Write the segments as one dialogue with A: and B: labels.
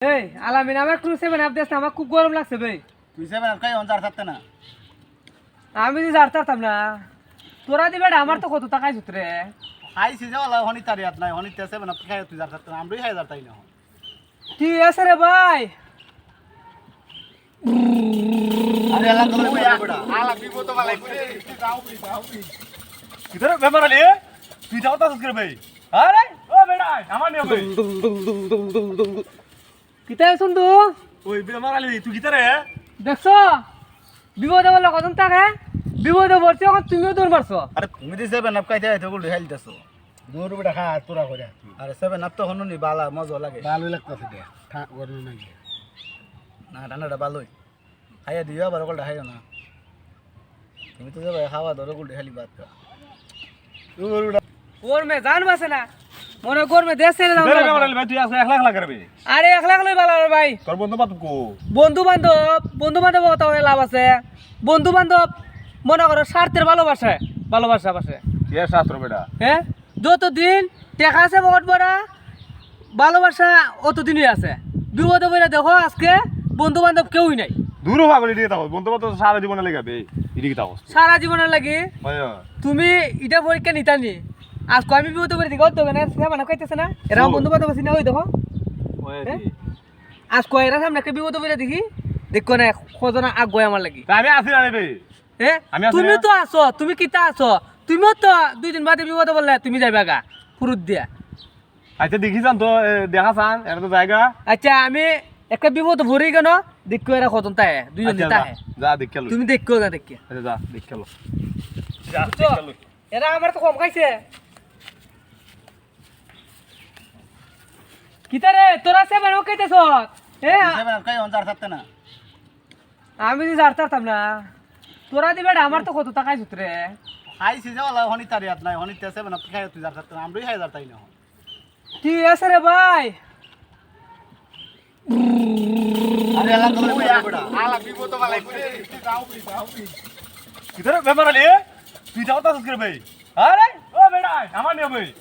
A: এই আলামিন আমার একটু 7 আপ দেস না, আমার খুব গরম লাগছে ভাই।
B: তুই 7 আপ খাই অন জার থাকতে না।
A: আমি যে জারতাম না তোরা দিবে আমার তো কত টাকাই সুতরে
B: খাইছি যাওয়ালা হনি তারিয়াত নাই হনি তে 7 আপ খাই তুই জার থাকতে না আমরাই খাই জার তাই না।
A: ঠিক আছে রে ভাই।
B: আরে আল্লাহ তোরে বড় আলা বিপদ তো ভালাই করে তুই যাও বি
C: কিধর ব্যাপার আলি তুই যাও তাস করে ভাই আরে ও বেটা আমার নিয়ে ভাই
A: কিতাই শুনতু
C: ওই ব্যাপার আলি তুই কিতারে
A: দেখছো বিপদে বলে কত টাকা বিপদে পড়ছে এখন তুমিও দৌড় মারছো।
B: আরে তুমি দি 7 আপ খাইতে আইতো গুল হেলতেছো দূর বেটা খা তোরা করে। আরে 7 আপ তো হনুনি বালা মজা লাগে ভালো লাগতেছে দে খা গরম নাকি না ঠান্ডাটা ভালোই খাইয়া দিও আবার ওগুলো খাইও না। তুমি তো যাবে খাওয়া ধরো গুল খালি ভাত খা
A: ওর মে জান বাসে না মনে গোর মে দেশ ছেড়ে দাও।
C: কিধর ব্যাপার আলি ভাই তুই আসলে 1 লাখ করবি
A: আরে 1 লাখ লই ভালো ভাই।
C: তোর বন্ধু বান্ধব কো
A: বন্ধু বান্ধব কথা হয়ে লাভ আছে। বন্ধু বান্ধব মনে করো স্বার্থের ভালোবাসা বাসে
C: কি শাস্ত্র বেটা
A: হ্যাঁ যতদিন টেকা আছে বহুত বড় ভালোবাসা অতদিনই আছে। বিপদে পড়ে দেখো আজকে বন্ধু বান্ধব কেউই নাই।
C: দূর ভাগলি দিয়ে তাও বন্ধু বান্ধব সারা জীবনে লাগাবে এদিকে তাও
A: সারা জীবনের লাগি
C: ভাই
A: তুমি এটা পরীক্ষা নিতানি আজকে আমি বিপদে পড়ে দেখো তো না মানে কইতেছে না এরা বন্ধু বান্ধব আছে না ওই দেখো
C: ওই
A: আজকে এরা সামনে একটা বিপদে পড়ে দেখি দেখো না খোঁজনা আগুয়ে আমার লাগি
C: আমি আসি না রে ভাই
A: হ্যাঁ
C: আমি আছি
A: তুমি
C: না।
A: তো আছো তুমি কিতা আছো তুমিও তো 2 দিন বাদে বিপদে বললে তুমি যাইবা গা ফুরুত দিয়া।
C: আচ্ছা দেখি যান তো দেখা চান এটা তো জায়গা
A: আচ্ছা আমি একটা বিপদ ভরি কেন দেখো এরা কত তাই দুইজন
C: আচ্ছা,
A: তাই
C: যা দেখ খেলো
A: তুমি দেখো না দেখি
C: আচ্ছা যা দেখ খেলো যা
A: বুঝছো? এরা আমার তো কম খাইছে কিতারে তোরা সে বানো কইতেছ এ
B: 7 আপ খাই অন জার থাকতে না।
A: আমি যে জারতাম না তোরা দিবে আমার তো কত টাকাই সুতরে
B: খাইছি যাওয়ালা হনি তারিয়াত নাই হনি তে 7 আপ খাই তুই জার থাকতে না আমরাই খাই জার তাই না।
A: ঠিক আছে রে ভাই।
B: আরে আল্লাহ তোরে বড় আলা বিপদ তো ভালাই করে তুই যাও বি
C: কিধর ব্যাপার আলি তুই যাও তাস করে ভাই আরে ও বেটা আমার নিয়ে ভাই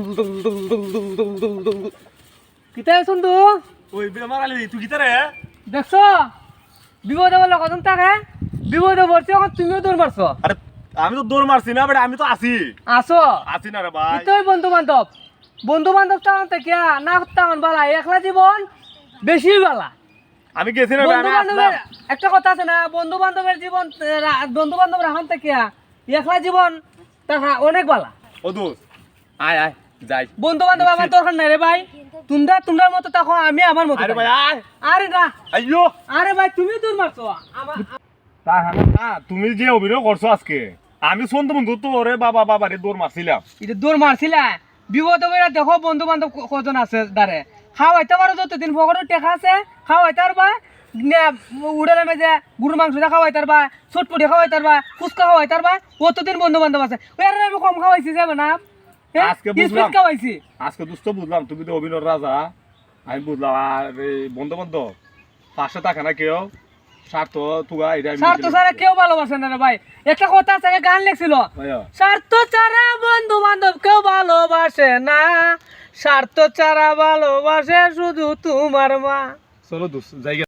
A: কিতাই শুনতু
C: ওই ব্যাপার আলি তুই কিতারে
A: দেখছো বিপদে বলে কত টাকা বিপদে পড়ছে এখন তুমিও দৌড় মারছো।
C: আরে আমি তো দৌড় মারছি না বেটা আমি তো আছি
A: আসো
C: না রে ভাই
A: তুই বন্ধু বান্ধব টাউন থেকে না টাউন বালা একলা জীবন বেশি বালা।
C: আমি গেছি না
A: বন্ধু
C: আমি
A: বান্ধবের
C: আসলাম
A: একটা কথা আছে না বন্ধু বান্ধবের জীবন বন্ধু বান্ধবের হান থেকে একলা জীবন টাকা অনেক বালা।
C: ও দোস্ত আয় আয় যাই
A: বন্ধু বান্ধব আমার দরকার নাই রে ভাই। তোমরা মতো থাকো আমি আমার মতো
C: আরে
A: থাকি।
C: ভাই আয়
A: আরে না
C: আইয়ো
A: আরে ভাই তুমি দূর মারছো আমার
C: তা না তুমি যে অভিনয় করছো আজকে আমি শুনতো বন্ধু তো ওরে বাবা রে দৌড় মারছিলাম
A: এটা দূর মারছিলা বিপদ বেড়া দেখো বন্ধু বান্ধব কজন আছে দাঁড়ে খাওয়াইতে পারো যতদিন পকেটে টেকা আছে খাওয়াইতে পারবা উড়ালে মেজে গরুর মাংস খাওয়াইতে পারবা চটপটি খাওয়াইতে পারবা ফুচকা খাওয়াইতে পারবা অতদিন বন্ধু বান্ধব আছে ওই আর আমি কম খাওয়াইছি যাবে না
C: আজকে বুঝলাম।
A: খাওয়াইছি
C: আজকে দুষ্ট বুঝলাম তুমি তো অভিনয় রাজা আমি বুঝলাম আর এই বন্ধু বান্ধব পাশে থাকে না কেউ স্বার্থ তুগা এটা আমি
A: স্বার্থ ছাড়া কেউ ভালোবাসে না রে ভাই। একটা কথা আছে গান লেখছিল
C: ভাইয়া
A: স্বার্থ ছাড়া বন্ধু বান্ধব কেউ ভালোবাসে না স্বার্থ ছাড়া ভালোবাসে শুধু তোমার মা।
C: চলো দোস্ত জায়গা